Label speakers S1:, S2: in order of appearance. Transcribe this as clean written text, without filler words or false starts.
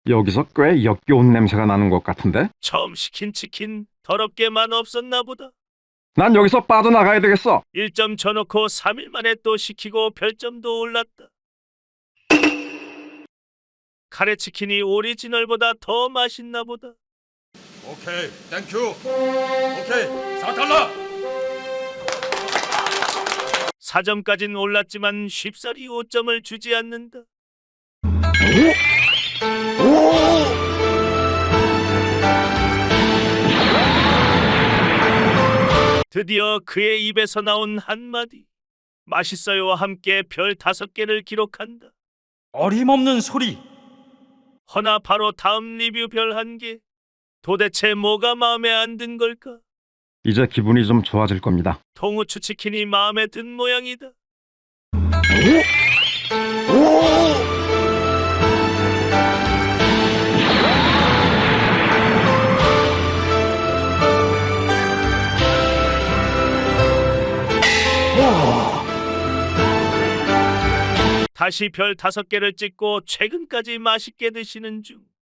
S1: 여기서 꽤 역겨운 냄새가 나는 것 같은데?
S2: 처음 시킨 치킨 더럽게 맛없었나 보다.
S1: 난 여기서 빠져나가야 되겠어.
S2: 1점 쳐놓고 3일 만에 또 시키고 별점도 올랐다. 카레치킨이 오리지널보다 더 맛있나 보다.
S3: 오케이, 땡큐. 오케이, 4달러.
S2: 4점까진 올랐지만 쉽사리 5점을 주지 않는다. 드디어 그의 입에서 나온 한마디. 맛있어요와 함께 별 5개를 기록한다.
S4: 어림없는 소리.
S2: 허나 바로 다음 리뷰 별 1개. 도대체 뭐가 마음에 안 든 걸까?
S1: 이제 기분이 좀 좋아질 겁니다.
S2: 통후추 치킨이 마음에 든 모양이다. 다시 별 5개를 찍고 최근까지 맛있게 드시는 중.